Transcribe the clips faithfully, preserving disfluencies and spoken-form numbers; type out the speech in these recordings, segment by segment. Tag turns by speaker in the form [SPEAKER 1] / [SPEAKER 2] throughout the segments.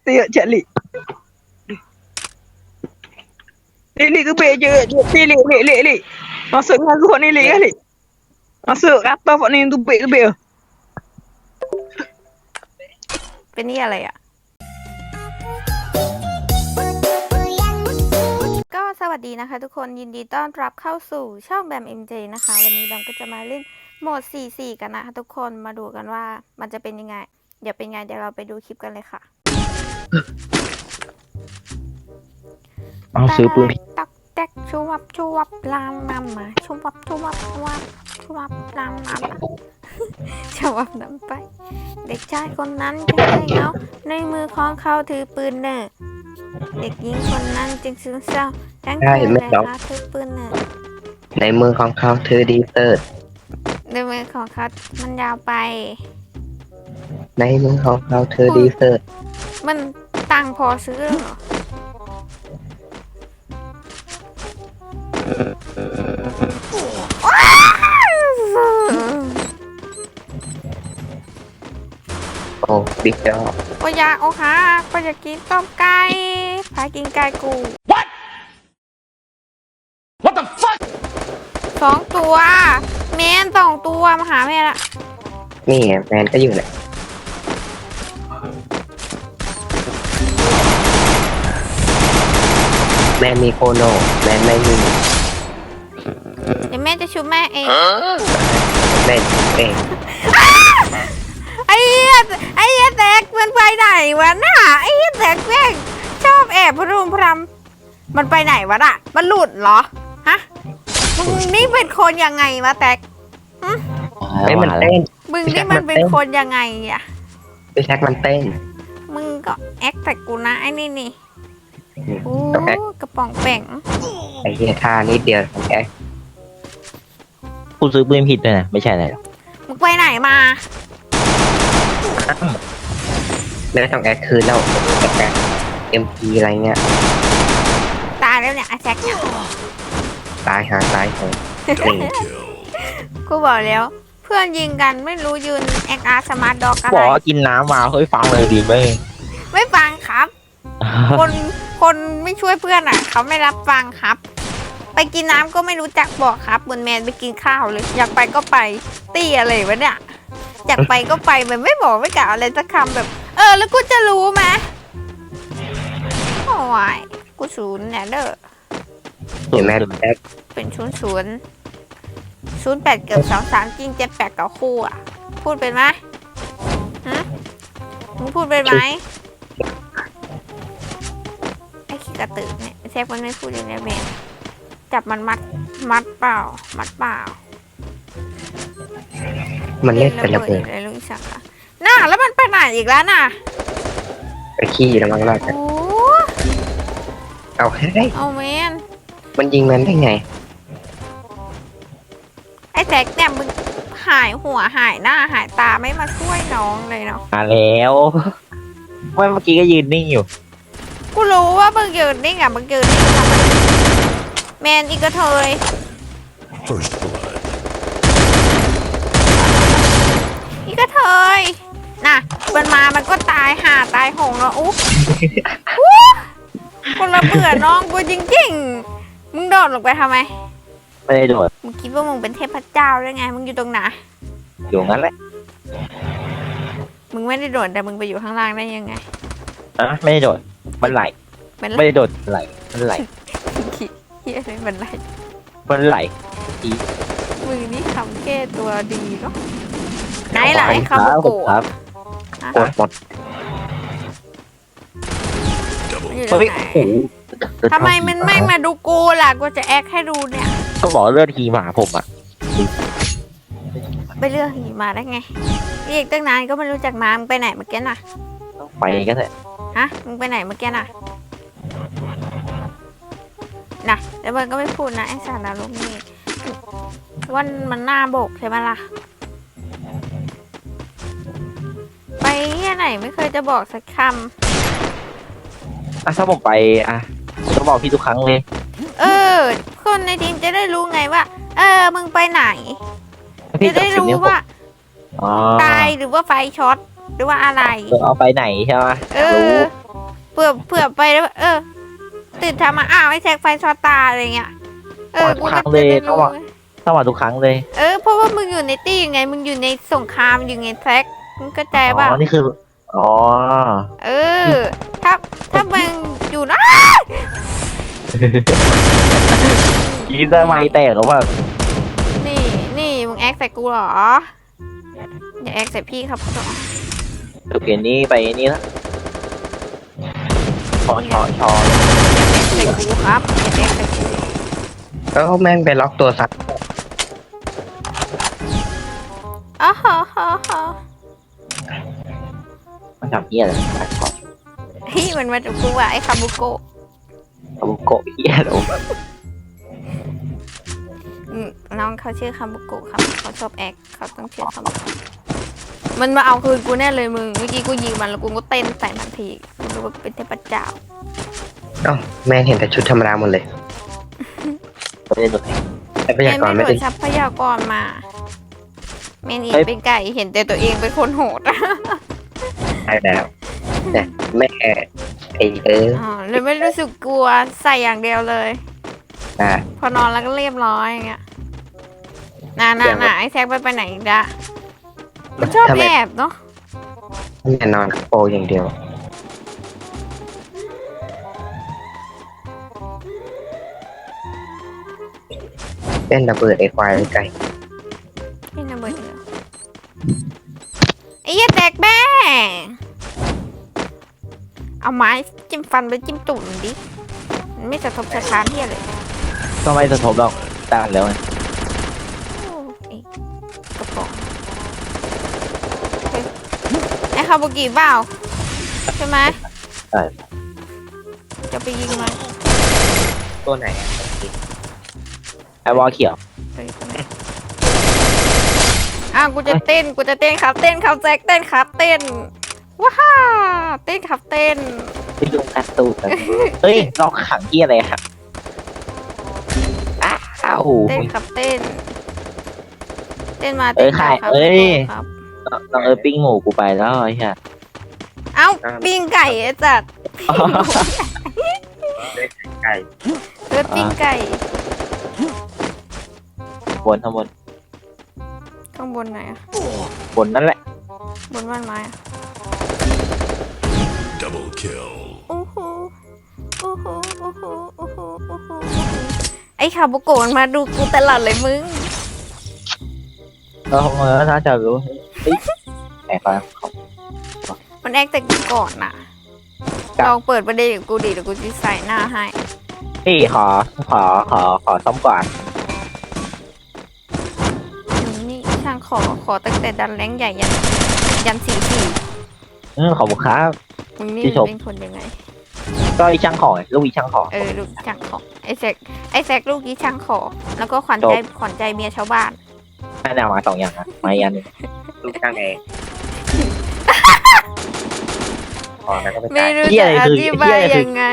[SPEAKER 1] tiệt chạy lì lì lì cứ bê chơi lì lì lì lì lì nó sợ ngang ruột này lì lì nó sợ gắt to bọn này tụi bê tụi bê
[SPEAKER 2] เป็นนี่อะไรอ่ะก็สวัสดีนะคะทุกคนยินดีต้อนรับเข้าสู่ช่องแบม เอ็ม เจ นะคะวันนี้แบมก็จะมาเล่นโหมด สี่ สี่ กันนะคะทุกคนมาดูกันว่ามันจะเป็นยังไงเดี๋ยวเป็นไงเดี๋ยวเราไปดูคลิปกันเลยค่ะ
[SPEAKER 3] เอาซื้อปืน
[SPEAKER 2] ตักแตกชูวับชูวับลามนำมาชูวับชูวับชูวับชูวับลามนำชูวับนำไปเด็กชายคนนั้นจึงได้เงาในมือของเขาถือปืนเนอเด็กหญิงคนนั้นจึงซึ้งเศร้าทั้งคืนเลยค่ะถือปืนเนอ
[SPEAKER 3] ในมือของเขาถือดีเตอร์
[SPEAKER 2] ในมือของเขามันยาวไป
[SPEAKER 3] ในมือของเขาถือดีเตอร์
[SPEAKER 2] มันตังพอซื้อเหรอ
[SPEAKER 3] โอ้บิ๊กจอบ
[SPEAKER 2] ก็อยากโอ้ค่ะก็อยากกินต้มไก่พากินไก่กู
[SPEAKER 4] What What the fuck
[SPEAKER 2] สองตัวแมนสองตัวมาหาแม่ละ
[SPEAKER 3] นี่ไงแมนก็อยู่แหละแมนมีโคโนแมนไม่มี
[SPEAKER 2] เดี๋ยวแม่จะชุบแม่เอง
[SPEAKER 3] แมนเอง
[SPEAKER 2] ไอ้เหี้ยไอ้เหี้ยแตกมันไปไหนวะน่ะไอ้เหี้ยแตกแม่งชอบแอบพรุมพรำมันไปไหนวะน่ะมันหลุดเหรอฮะมึงนี่เป็นคนยังไงวะแตก
[SPEAKER 3] ไอ้มันเต้น
[SPEAKER 2] มึงนี่มันเป็นคนยังไงอะ
[SPEAKER 3] ไอ้แท็กมันเต้น
[SPEAKER 2] มึงก็แอคแต่กูนะไอ้นี่นี่โอ้กระป๋องแป่ง
[SPEAKER 3] ไอ้เหี้ยท่านิดเดียวของแก
[SPEAKER 5] กูซื้อปืนผิดเลยนะไม่ใช่อะไรหรอก
[SPEAKER 2] มึงไปไหนมา
[SPEAKER 3] แล้วต้องแอคคืนแล้วแอคเอ็มพีอะไรเงี้ย
[SPEAKER 2] ตายแล้วเนี่ยไอ้แจ็คเนี่ย
[SPEAKER 3] ตายหาตายเลย
[SPEAKER 2] กูบอกแล้วเพื่อนยิงกันไม่รู้ยืนแอคอาร์สมาร์ทด็อกอะไร
[SPEAKER 5] บอกกินน้ำมาเฮ้ยฟังเลยดีไหม
[SPEAKER 2] ไม่ฟังครับคนคนไม่ช่วยเพื่อนอ่ะเขาไม่รับฟังครับไปกินน้ำก็ไม่รู้จักบอกครับบนแมนไปกินข้าวเลยอยากไปก็ไปตี้อะไรวะเนี่ยอยากไปก็ไปแบบไม่บอกไม่กล่าวอะไรสักคำแบบเออแล้วกูจะรู้ไหมโอ้ยกูศูนย์เนี่ยเด้อ
[SPEAKER 3] เห็นไหมแอค
[SPEAKER 2] เป็นศูนย์ศูนย์ศูนย์แปดเกือบสองสามจริงเจ็ดแปดต่อคู่อ่ะพูดเป็นไหมฮะมึงพูดเป็นไหมไอ้ขี้กระตือเนี่ยแซฟมันไม่พูดอย่างนี้แม่จับมันมัดมัดเปล่ามัดเปล่า
[SPEAKER 3] มันเล่นเป็นระเบิด
[SPEAKER 2] เลยลุงสักค่ะน่าแล้วมันไปไหนอีกแล้วน่ะ
[SPEAKER 3] ไปขี้แล้วมั้งล่ะโอ้เอาแค่
[SPEAKER 2] เอาแมน
[SPEAKER 3] มันยิงมันได้ไง
[SPEAKER 2] ไอ้แท็กเนี่ยมึงหายหัวหายหน้าหายตาไม่มาช่วยน้องเลยเนาะ
[SPEAKER 5] มาแล้วเมื่อกี้ก็ยืนนิ่งอยู่
[SPEAKER 2] กูรู้ว่ามึงยืนนิ่งอ่ะมึงยืนนิ่งทำไมแมนอีกกระเทยอีกกระเทยน่ะมันมามันก็ตายห่าตายหงแล้วอุ๊บคนละเบื่อน้องกูจริงๆมึงโดดลงไปทำไม
[SPEAKER 5] ไม่ได้โดด
[SPEAKER 2] มึงคิดว่ามึงเป็นเทพเจ้าได้ไงมึงอยู่ตรงไหน
[SPEAKER 5] อยู่งั้นแหละ
[SPEAKER 2] มึงไม่ได้โดดแต่มึงไปอยู่ข้างล่างได้ยังไง
[SPEAKER 5] อ่ะไม่ได้โดดมันไหลไม่ได้โดดไหลมันไหล
[SPEAKER 2] เฮียเลยมันไหล
[SPEAKER 5] มันไหล
[SPEAKER 2] อีมึงนี่ทำแก้ตัวดีเนาะไหนล่ะไอ้คำโกะ
[SPEAKER 5] ครับ
[SPEAKER 3] หมดหมด
[SPEAKER 2] ทำไมมันไม่มาดูกูล่ะกูจะแอคให้ดูเนี่ย
[SPEAKER 5] ก็บอกเลือดฮีมาผมอ่ะ
[SPEAKER 2] ไปเลือกฮีมาได้ไงเรียกตั้งนานก็ไม่รู้จักมามึงไปไหนเมื่อกี้น่ะ
[SPEAKER 5] ไปก็ได้
[SPEAKER 2] ฮะมึงไปไหนเมื่อกี้น่ะน่ะแต่เบิร์นก็ไม่พูดนะไอ้สารลูกนี่วันมันหน้าโบกใช่ไหมล่ะไปที่ไหนไม่เคยจะบอกสักคำ
[SPEAKER 5] อ่ะถ้าผมไปอ่ะผมจะบอกพี่ทุกครั้งเลย
[SPEAKER 2] เออคนในทีมจะได้รู้ไงว่าเออมึงไปไหนจะได้รู้ว่าตายหรือว่าไฟช็อตหรือว่าอะไร
[SPEAKER 5] เอาไปไหนใช่ไหม
[SPEAKER 2] เออเผื่อเผื่อไปแล้วเออตื่นทำมาอ้าวไอ้แซกไฟช็อตตาอะไรเงี้ยเออกูก็จะได้รู้
[SPEAKER 5] ต้องมาทุกครั้งเลย
[SPEAKER 2] เออเพราะว่ามึงอยู่ในตี้ไงมึงอยู่ในสงครามอยู่ไงแซกมึงเข้าใจ
[SPEAKER 5] อ๋
[SPEAKER 2] ป่ะ
[SPEAKER 5] อ นี่คือ อ๋อ
[SPEAKER 2] เออ ถ้าถ้ามึงอยู่นะ
[SPEAKER 5] ยินได้ไหมแตกหรือว่า
[SPEAKER 2] นี่นี่มึงแอคใส่กูเหรออย่าแอคใส่พี่ครับ
[SPEAKER 5] โอเคนี้ไปนี่ละชอชอชอ
[SPEAKER 2] ใส่กูครับอย่าแอคใส่กู
[SPEAKER 3] แล้วแม่งไปล็อกตัวซัด
[SPEAKER 2] อ๋อฮะฮะฮะ
[SPEAKER 5] มันทำเหี้ยอะไรไปขอ
[SPEAKER 2] เฮ้ยมันมาจากกูว่ะไอ้คาบุโกะ
[SPEAKER 5] เอาโกะเหี้ยโอ้
[SPEAKER 2] อืมน้องเขาชื่อคาบุโกะครับเขาชอบแอคเขาต้องชื่อคาบุโกะมันมาเอาคืนกูแน่เลยมึงเมื่อกี้กูยิงมันแล้วกูก็เต้นใส่มันทีกูรู้ว่าเป็นเทพเจ้า
[SPEAKER 3] เอ้าแม่งเห็นแต่ชุดธรรมดาหมดเลย
[SPEAKER 5] ไม่ได้หนุน
[SPEAKER 3] แต่พ
[SPEAKER 2] แม่
[SPEAKER 3] ยากร
[SPEAKER 2] ไม่
[SPEAKER 3] ไม่
[SPEAKER 2] โด
[SPEAKER 3] ได้
[SPEAKER 2] นทรัพยากรมาแม่นี่เป็นไก่เห็นแต่ตัวเองเป็นคนโหด
[SPEAKER 3] ใช่แล้วแต่แม่ไอ้เออ
[SPEAKER 2] อ๋อเลยไม่รู้สึกกลัวใส่อย่างเดียวเลย
[SPEAKER 3] อ่ะ
[SPEAKER 2] พอนอนแล้วก็เรียบร้อยอย่างเงี้ยน่าน่าน่าไอ้แซกไปไปไหนอีกละมันชอบ
[SPEAKER 3] ทำไม
[SPEAKER 2] แอบเนาะ
[SPEAKER 3] แม่นอนโปอย่างเดียวเล่นระเบิดไอ้ควายไอ้ไก่
[SPEAKER 2] ไอ้ระเบิดเหรอไอ้เหี้ยแตกแม่เอาไม้จิ้มฟันไปจิ้มตุ่มดิมันไม่สะทบสะท้านเหี้ยเลย
[SPEAKER 5] ก็ไม่สะทบหรอกตานแล้วไง
[SPEAKER 2] โอ้ไอ้กระป๋องเฮ้ยไอ้คาบุกิเปล่าใช่ไหม
[SPEAKER 5] ใช่
[SPEAKER 2] จะไปยิงมัน
[SPEAKER 3] ตัวไหนอ่ะ
[SPEAKER 5] ไอ้วอลเขียว
[SPEAKER 2] เฮ้ยตัวไหนอ้าวกูจะเต้นกูจะเต้นครับเต้นครับแจ็คเต้นครับเต้นว้าเต้นครับเต้น
[SPEAKER 5] ไปดูการ์ตูนกันเฮ้ยเราขังเหี้ยอะไรครับอ้าว
[SPEAKER 2] เต้นครับเต้น เต้นมา
[SPEAKER 5] เอ้
[SPEAKER 2] เต้
[SPEAKER 5] ย
[SPEAKER 2] น
[SPEAKER 5] ใคร
[SPEAKER 2] มาครับ
[SPEAKER 5] เอ้ย
[SPEAKER 2] ครับ
[SPEAKER 5] น้องเออปิ้งหมูกูไปแล้วไอ้เหี้ย
[SPEAKER 2] เอ้าปิ้งไก่ไอ้จัด
[SPEAKER 3] ไก่
[SPEAKER 2] เลือดปิ้งไก่
[SPEAKER 5] บนทั้งบน
[SPEAKER 2] ข้างบนไหนอะ
[SPEAKER 5] บนนั่นแหละ
[SPEAKER 2] บนบ้านไม้อะ
[SPEAKER 4] Double kill.
[SPEAKER 2] โอ้โหโอ้โหโอ้โหโอ้โหโอ้โหไอ้คาบุโกะมันมาดูกูตลอดเลยมึง
[SPEAKER 5] เราเออน่าจะรู้เฮ้ยแอบไปเขา
[SPEAKER 2] มันแอคแต่กูก่อนน่ะ
[SPEAKER 5] ครับ
[SPEAKER 2] ลองเปิดประเด็นกับกูดิเดี๋ยวกูจะใส่หน้าให้
[SPEAKER 5] พี่ขอขอขอขอซ้อมก่อน
[SPEAKER 2] นี่ช่างขอขอตั้งแต่ดันแรงใหญ่ยันยันสี่สี่
[SPEAKER 5] อืมขอบคุณครับ
[SPEAKER 2] มึงนี่
[SPEAKER 5] พี่ชม
[SPEAKER 2] เป็นคนยังไง
[SPEAKER 5] ก็อีช่างของลูกอีช่างของ
[SPEAKER 2] เออลูกช่างของไอ้แซกไอ้แซกลูกนี้ช่างขอแล้วก็ขวัญใจขวัญใจเมียชาวบ้าน
[SPEAKER 5] แม่แนวมาสองอย่างนะมาอีกอันหนึง
[SPEAKER 3] ลูกช่างเองอ๋อแล้วก็ไป
[SPEAKER 2] ไม่
[SPEAKER 3] ตาย
[SPEAKER 2] รู้
[SPEAKER 5] เหี้ย
[SPEAKER 2] จะ
[SPEAKER 5] อะไร
[SPEAKER 2] อ
[SPEAKER 5] คือ
[SPEAKER 2] ธิ
[SPEAKER 5] เหี้
[SPEAKER 2] บาย
[SPEAKER 5] ยอะไรคือ
[SPEAKER 2] ยังไง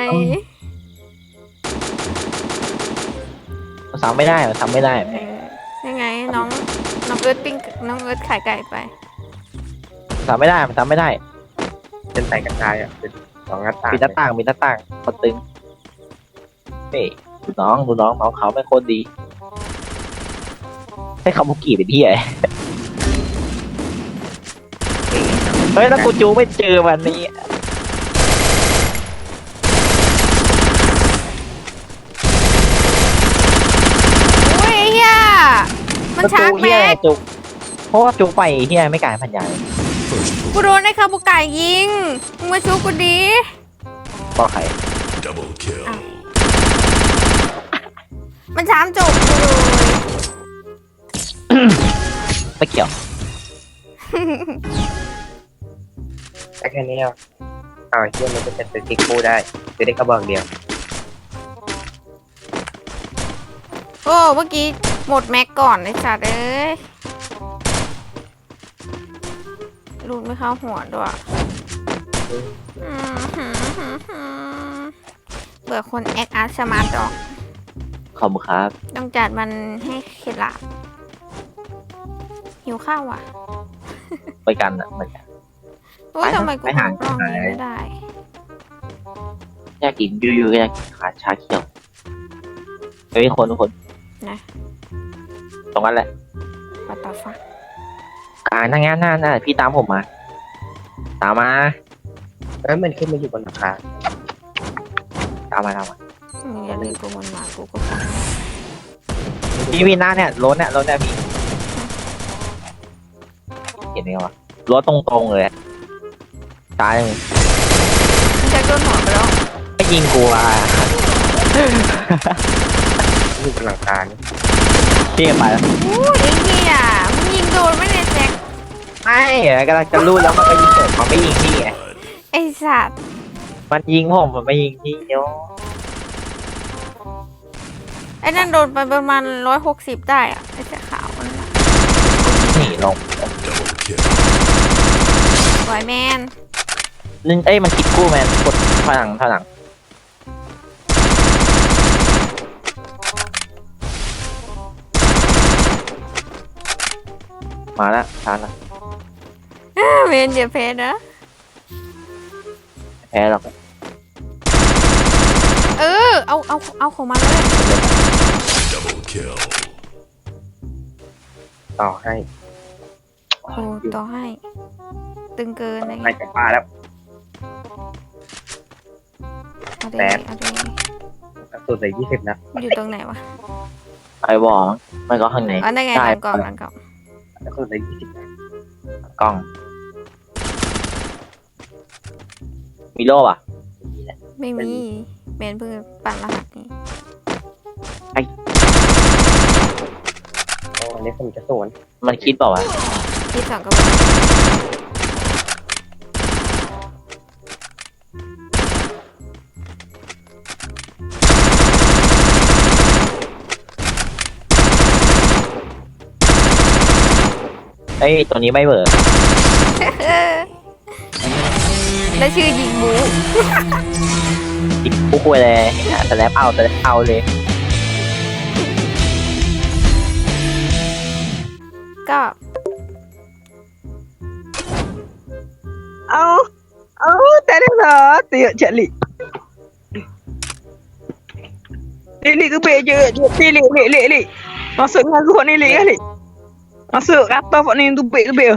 [SPEAKER 5] มันซ้ำไม่ได้มันซ้ำไม่ได้
[SPEAKER 2] เออยังไงน้องน้องเอิร์ธปิ้งน้องเอิร์ธขายไก่ไป
[SPEAKER 5] ซ้ำไม่ได้มันซ้ำไม่ได้
[SPEAKER 3] เป็นใส่กระจายอ่ะเป็นสองหน้าต่าง
[SPEAKER 5] มีหน้าต่างมีหน้าต่างคนตึงเฮ้ยดูน้องดูน้องน้องเขาไม่โคตรดีให้คาบุกิเป็นที่ไหนเฮ้ยแล้วกูจูไม่เจอวันนี้
[SPEAKER 2] อุ้ยเฮียมันชาร์จ
[SPEAKER 5] เฮีย
[SPEAKER 2] แม็ก
[SPEAKER 5] จุกเพราะว่าจุกไปเฮียไม่กลายพันยาย
[SPEAKER 2] กูโดนไอ้คาบุไก่ยิงมึงมาชูกูดี
[SPEAKER 5] ก็ใคร
[SPEAKER 4] Double kill.
[SPEAKER 2] มันชาร์จจบกูเลย
[SPEAKER 5] ไม่เกี่ยว
[SPEAKER 3] แต่แค่นี้อ่ะเอาเชื่อมันจะเป็นสติ๊กคู่ได้คือได้กระบอกเดียว
[SPEAKER 2] โอ้เมื่อกี้หมดแม็กก่อนไอ้สัตว์เอ้ยลูดไม่เข้าหัวด้วยอืมหืมหืมหืมเบื่อคนแอคอาร์ตสมาร์ทดอก
[SPEAKER 5] ขอบคุณครับ
[SPEAKER 2] ต้องจัดมันให้เข็ดหลาบหิวข้าวอ่ะ
[SPEAKER 5] ไปกันอ่ะไปกัน
[SPEAKER 2] โอ้ย
[SPEAKER 5] ไปนะ
[SPEAKER 2] ทำไมกู
[SPEAKER 5] ไปหา
[SPEAKER 2] ลองนี้ไม่ได้
[SPEAKER 5] อยากกินอยู่ๆก็อยากกินขาชาเขียวเฮ้ยคนคน
[SPEAKER 2] นะ
[SPEAKER 5] ตรงนั้นแหละ
[SPEAKER 2] วัตถุฟัก
[SPEAKER 5] อ่านั่งงั้นนั่นน่ะพี่ตามผมมา ตามมา
[SPEAKER 3] แล้วมันขึ้นมาอยู่บนหลังคา
[SPEAKER 5] ตามมาตามมา
[SPEAKER 2] มึงอย่าเลยกูมันมากูก็ฟัง
[SPEAKER 5] พี่พี่หน้าเนี่ยรถเนี่ยรถเนี่ยพี่เห็นไหมวะรถตรงๆเลยตายเลย
[SPEAKER 2] มึงจะโดนหัวไปแล้ว
[SPEAKER 5] ไม่ยิงกูอ่ะ
[SPEAKER 3] อยู่บนหลังคาเนี่ย
[SPEAKER 5] พี่ไปแล้ว
[SPEAKER 2] โอ้ยไอ้เหี้ยมึงยิงโดนไหมเนี่ยแจ็ค
[SPEAKER 5] ไม่กำลังจะรูดแล้วมันก็ยิงผมมันไม่ยิงพี่ไง
[SPEAKER 2] ไอ้สัตว์
[SPEAKER 5] มันยิงผมมันไม่ยิงพี่เนาะ
[SPEAKER 2] ไอ้นั่นโดนไปประมาณร้อยหกสิบได้อะไอ้เสื้อขาวนั่นน่ะ
[SPEAKER 5] หนีลง
[SPEAKER 4] Double kill.
[SPEAKER 2] บอยแมน
[SPEAKER 5] นึงเอ้ยมันคิดกู้แมนกดถอยหลังถอยหลังมาแล้วชาร์จแล้ว
[SPEAKER 2] เมนอย่าเพนนะ
[SPEAKER 5] แพ้หรอก
[SPEAKER 2] เออเอาเอาเอาของมันเลย
[SPEAKER 4] Double kill.
[SPEAKER 3] ต่อให้
[SPEAKER 2] โอ้ต่อให้ ตึงเกินอะไร
[SPEAKER 3] ให้
[SPEAKER 2] เงี้ย
[SPEAKER 3] จะป้าแล้ว
[SPEAKER 2] เอาดิ
[SPEAKER 3] แป๊บ
[SPEAKER 2] เอาดิ
[SPEAKER 3] กระสุนเหลือยี่สิบนัด
[SPEAKER 2] อยู่ตรงไหนวะ
[SPEAKER 5] ไอ้บอลไม่ก็ข้างใน
[SPEAKER 2] อ๋อได้ไง
[SPEAKER 5] ใช่
[SPEAKER 2] หลังกล่องหลังกล่อง
[SPEAKER 3] กระสุนเหลือยี่สิบนัด
[SPEAKER 5] กล้อง มีโล่ป่ะ
[SPEAKER 2] ไม่มีเมนเพิ่งปั่นรหัสนี้
[SPEAKER 3] โอ้อันนี้ผมจะสวน
[SPEAKER 5] มันคิดเปล่าวะ
[SPEAKER 2] ที่สองก็บอก
[SPEAKER 5] เอ้ยตัวนี้ไม่เบิร์
[SPEAKER 2] แล้วชื่อยิงบู
[SPEAKER 5] คิดปุ๊กไปเลยแต่แล้วเอาแต่เอาเลย
[SPEAKER 2] ก็
[SPEAKER 1] เอาเอาแต่ได้เหรอเตี๋ยเฉลี่ยนี่cứ bê chưa đi lì lì lì lì nó sững ngay cái này lì lì nó sững gắt tao bọn này tụi bê tụi bê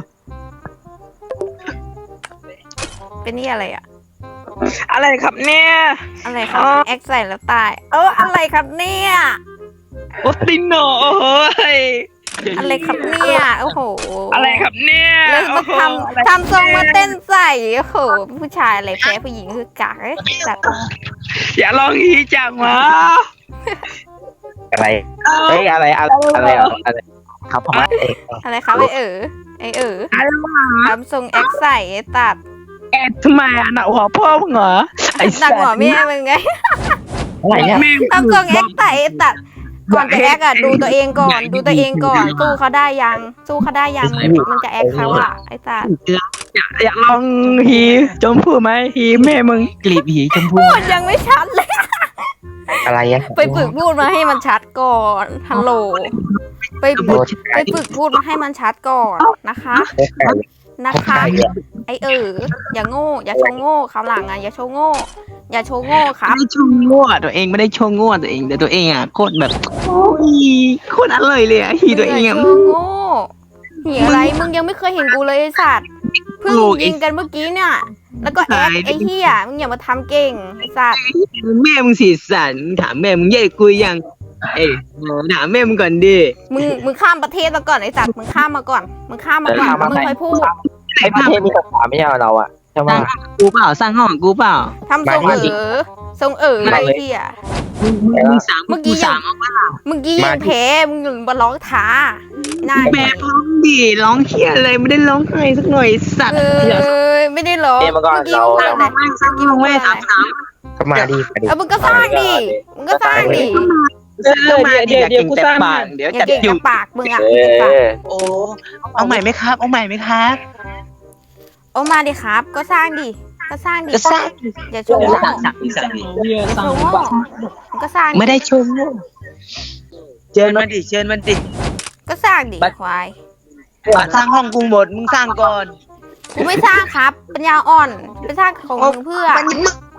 [SPEAKER 2] เป็นนี่อะไรอะ
[SPEAKER 1] อะไรครับเนี่ย
[SPEAKER 2] อะไรครับ
[SPEAKER 1] อ๋อ
[SPEAKER 2] แอคใส่แล้วตาย เอออะไรครับเนี่ย
[SPEAKER 1] โอ้ตินโนโอ้ย
[SPEAKER 2] อะไรครับเนี่ยโอ้โห
[SPEAKER 1] อะไรครับเนี่ย
[SPEAKER 2] แล้วมา
[SPEAKER 1] โอ้โห
[SPEAKER 2] ท
[SPEAKER 1] อะไร
[SPEAKER 2] ำทำทรงมาเต้นใส่โอ้โหผู้ชายอะไรแพ้ผู้หญิงคือกากเอ้ยจัด
[SPEAKER 1] อย่าลองอีจังวะ
[SPEAKER 3] อะไร
[SPEAKER 5] เฮ้ยอะไรอะไรอะไรอะไรครับผมเอง
[SPEAKER 2] อะไรครับไอเอ๋อไอเอ๋อ
[SPEAKER 1] อะไรวะ
[SPEAKER 2] ทำทรงแอคใส่ไอ้ตัด
[SPEAKER 1] แอดทำไมอ่ะหนักหัวพ่อมึงเหรอไอ้
[SPEAKER 2] หนักหัวแม่มึงไง
[SPEAKER 5] อะไรเนี่ย
[SPEAKER 1] แม่ง
[SPEAKER 2] ทำทรงแอคใส่ไอ้ตัดก่อนจะแอคอะดูตัวเองก่อนดูตัวเองก่อนสู้เขาได้ยังสู้เขาได้ยังมันมันจะแอคเขาอะไอ้ตัด
[SPEAKER 1] อยากลองฮีจมพูไหมฮีแม่มึงกลีบหีจมพู
[SPEAKER 2] พูดยังไม่ชัดเลย
[SPEAKER 3] อะไรอะ
[SPEAKER 2] ไปฝึกพูดมาให้มันชัดก่อนฮัลโหลไปฝึกไปฝึกพูดมาให้มันชัดก่อนนะคะ นะคะ ไอเอออย่าโง่ อย่าโชว์โง่คราวหลังอ่ะอย่าโชว์โง่ อย่าโชว์โง่ครับ
[SPEAKER 1] ไม่ได้ชงง่วตัวเองไม่ได้ชงง่วตัวเองแต่ตัวเองอ่ะโคตรแบบโอ้ยโคตรอร่อยเลยอ่ะฮีตัวเอง
[SPEAKER 2] อย่า
[SPEAKER 1] อ่ะ
[SPEAKER 2] โชว์โง่เหียอะไรมึงยังไม่เคยเห็นกูเลยไอสัตว์เพิ่งยิงกันเมื่อกี้เนี่ย แล้วก็แอคไอเฮียมึงอย่ามาทำเก่งไอสัตว์
[SPEAKER 1] แม่มึงสีสันถามแม่มึงใหญ่กุยยังเอ้ยถามแม่มึงก่อนดิ
[SPEAKER 2] มึงมึงข้ามประเทศมาก่อนไอสัตว์มึงข้ามมาก่อนมึงข้ามมาก่อนมึงค่อยพูด
[SPEAKER 5] ไอ้ประเทศมีสงครามไม่ใช่เราอะใช่ไหม
[SPEAKER 1] กูเปล่าสร้างห้องกูเปล่า
[SPEAKER 2] ทำทรงเออทรงเออไอเฮีย
[SPEAKER 1] มึงมึงสาม
[SPEAKER 2] เมื่อกี้
[SPEAKER 1] สามเอาว่า
[SPEAKER 2] เมื่อกี้ยังแพ้มึงยังมาร้องท้าน่า
[SPEAKER 1] แม่ร้องดิร้องเคียอะไรไม่ได้ร้องไห้สักหน่อยสัตว์
[SPEAKER 2] เออไม่ได้ร้อง
[SPEAKER 5] เมื่อก่อน
[SPEAKER 2] เมื่อกี้
[SPEAKER 5] เรา
[SPEAKER 2] มึงพูดอะไร
[SPEAKER 1] ไม่สร้างห้องไม่สามสาม
[SPEAKER 3] ก็มาดิมาดิ
[SPEAKER 2] เออมึงก็สร้างดิมึงก็สร้างดิ
[SPEAKER 1] เดี๋ยวเดี๋ยวเดี๋ยวกูสร้างเดี๋ยว
[SPEAKER 2] อย่า
[SPEAKER 1] จัด
[SPEAKER 2] เก่ง
[SPEAKER 1] อยู่
[SPEAKER 2] กับปากมึงอ่ะ
[SPEAKER 5] เอ
[SPEAKER 2] ไอ้สัตว์
[SPEAKER 5] อ
[SPEAKER 1] โอ้เอาใหม่ไหมครับเอาใหม่ไหมครับ
[SPEAKER 2] โอ้มาดิครับ ก็สร้างดิก็สร้างดิ
[SPEAKER 1] จะสร้าง
[SPEAKER 2] อย่าโชว์โง่
[SPEAKER 1] สั่งสั่งสั่ง
[SPEAKER 2] อย่าโชว์โง่มึงก็สร้างดิ
[SPEAKER 1] ไม่ได้ชมเชิญมันดิเชิญมันดิ
[SPEAKER 2] ก็สร้างดิควาย
[SPEAKER 1] สร้างห้องกูหมดมึงสร้างก่อน
[SPEAKER 2] กูไม่สร้างครับปัญญาอ่อนไปสร้างของมึงเพื่อ
[SPEAKER 1] มันมึง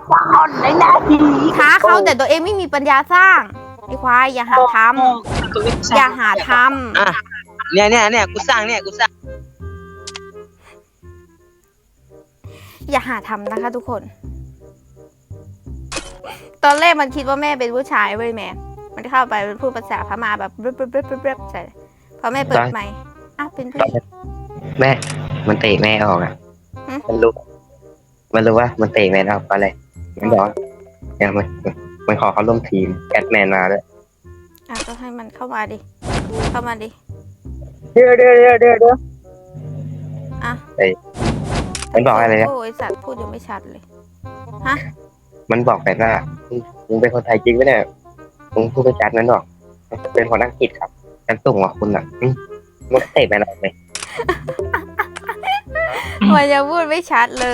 [SPEAKER 1] อนไอ้หน้าที่
[SPEAKER 2] ท้าเขาแต่ตัวเองไม่มีปัญญาสร้างไอ้ควายอย่าหาทำอย่าหาท
[SPEAKER 3] อ่ะเนี่ยเนี่ยเนี่ยกูสร้างเนี่ยกูสร้าง
[SPEAKER 2] ำอย่าหาทำนะคะทุกคน ตอนแรกมันคิดว่าแม่เป็นผู้ชายเว้ยแม่มันเข้าไปมันพูดภาษาพม่าแบบเบบเบบเบบเบบใช่พอแม่เปิดไมค์อ้าวเป็นผู้หญิง
[SPEAKER 3] แม่มันเตะแม่ออกอ่ะ
[SPEAKER 2] หืม
[SPEAKER 3] มันรู้มันรู้ว่ามันเตะแม่ออกเพราะอะไรมันบอกว่าเนี่ยมันมันขอเขาร่วมทีมแอดแมนมาด้วย
[SPEAKER 2] อ่ะก็ให้มันเข้ามาดิเข้ามาดิ
[SPEAKER 1] เดี๋ยวเดี๋ยวเดี๋ยวเดี๋ยวเดี๋ยว
[SPEAKER 2] อ่ะ
[SPEAKER 3] มันบอกอะไรนะ
[SPEAKER 2] โอ้ยสัตว์พูดยังไม่ชัดเลย
[SPEAKER 3] มันบอกแบบว่ามึงมึงเป็นคนไทยจริงไหมเนี่ยมึงพูดไปจัดนั้นหรอกเป็นคนอังกฤษครับฉันส่งว่าคุณอ่ะอืมมึงเตะแม่ออกไหม
[SPEAKER 2] มันยังพูดไม่ชัดเลย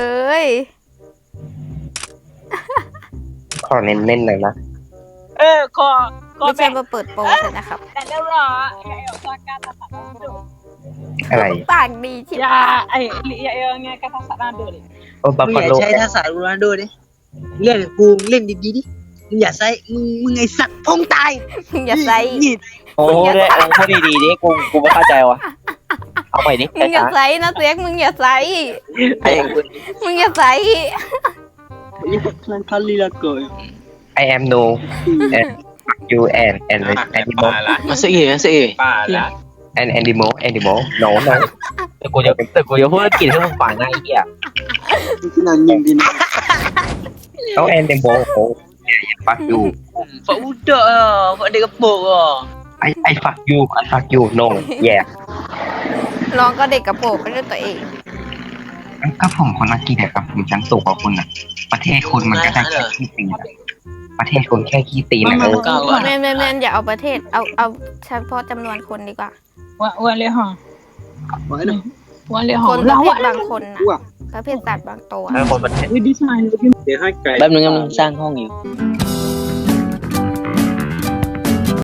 [SPEAKER 3] ขอเน้นๆหน่อยนะ
[SPEAKER 1] เออขอขอ
[SPEAKER 2] ไม่ใช่
[SPEAKER 1] แบ่ง
[SPEAKER 2] มาเปิดโปรเลยนะครับ
[SPEAKER 1] แต่เดี๋ยวรอไอ้เอาการการตัดสัตว์ดู
[SPEAKER 3] อะไร
[SPEAKER 2] ปากดีชิบ
[SPEAKER 1] อย่า
[SPEAKER 2] หาย
[SPEAKER 1] ไอ้อย่าเอาไงการตัดสัตว์ดูดิ
[SPEAKER 3] โอ้บัฟ
[SPEAKER 6] มึง
[SPEAKER 3] ฟา
[SPEAKER 6] อย่า
[SPEAKER 3] โล
[SPEAKER 6] ใช้ทักษะโรนัลโดดิเล่นกับกูเล่นดีๆดิมึงอย่าใช้มึงมึงไอสัตว์พงตาย
[SPEAKER 2] มึงอย่าใส่
[SPEAKER 6] นี่
[SPEAKER 5] โอ้ได้โอ้พูดดีๆดิกูกูไม่เข้าใจว่ะเอาใหม่ดิ
[SPEAKER 2] มึงอย่า
[SPEAKER 5] ช้า
[SPEAKER 2] ใส่นะเสียกมึงอย่าใส่
[SPEAKER 5] ๆไอ้
[SPEAKER 2] มึงอย่าใส่
[SPEAKER 6] ยี่ห้อคลันคัลลีลาโกย
[SPEAKER 3] I am no and you and and animal
[SPEAKER 6] มาสิเอ๋มาสิเอ๋
[SPEAKER 3] and animal animal no no
[SPEAKER 5] แต่กูจะแต่กูจะพูดอังกฤษให้มึงฟังนะไอ้เหี้ย
[SPEAKER 6] ที่นั่นยิงดิน
[SPEAKER 3] no animal oh fuck you
[SPEAKER 6] ฝาอุดเดอร์ฝาเด็กกระโปรงอ่ะ
[SPEAKER 3] I I fuck you I fuck you no yeah
[SPEAKER 2] ร้องก็เด็กกระโปรงไม่ใช่ตัวเอง
[SPEAKER 3] ก็ผมคนอังกฤษอะครับผมชั้นสูงกว่าคุณอะประเทศคุณมันก็ได้แค่ขี้ตีนอะประเทศคุณแค่ขี้ตีนอะเออ
[SPEAKER 6] เก่าอ่ะ
[SPEAKER 2] แม่แม่แม่อย่าเอาประเทศ เอาเอาเฉพาะจำนวนคนดีกว่า
[SPEAKER 1] ว่าว่าเลยฮะ
[SPEAKER 6] ไว้หน่อย
[SPEAKER 1] ว่าเลย
[SPEAKER 2] ค
[SPEAKER 1] ฮะ
[SPEAKER 2] นประ
[SPEAKER 1] เรา
[SPEAKER 2] เภท
[SPEAKER 1] อะ
[SPEAKER 2] บางคนนะประเภทสัตว์บางตัว
[SPEAKER 5] ให้คนประเทศ
[SPEAKER 1] วิดีไซน์
[SPEAKER 6] เดี๋ยวให้ไก่
[SPEAKER 5] แป๊บนึงกำลังสร้างห้องอยู่
[SPEAKER 2] อ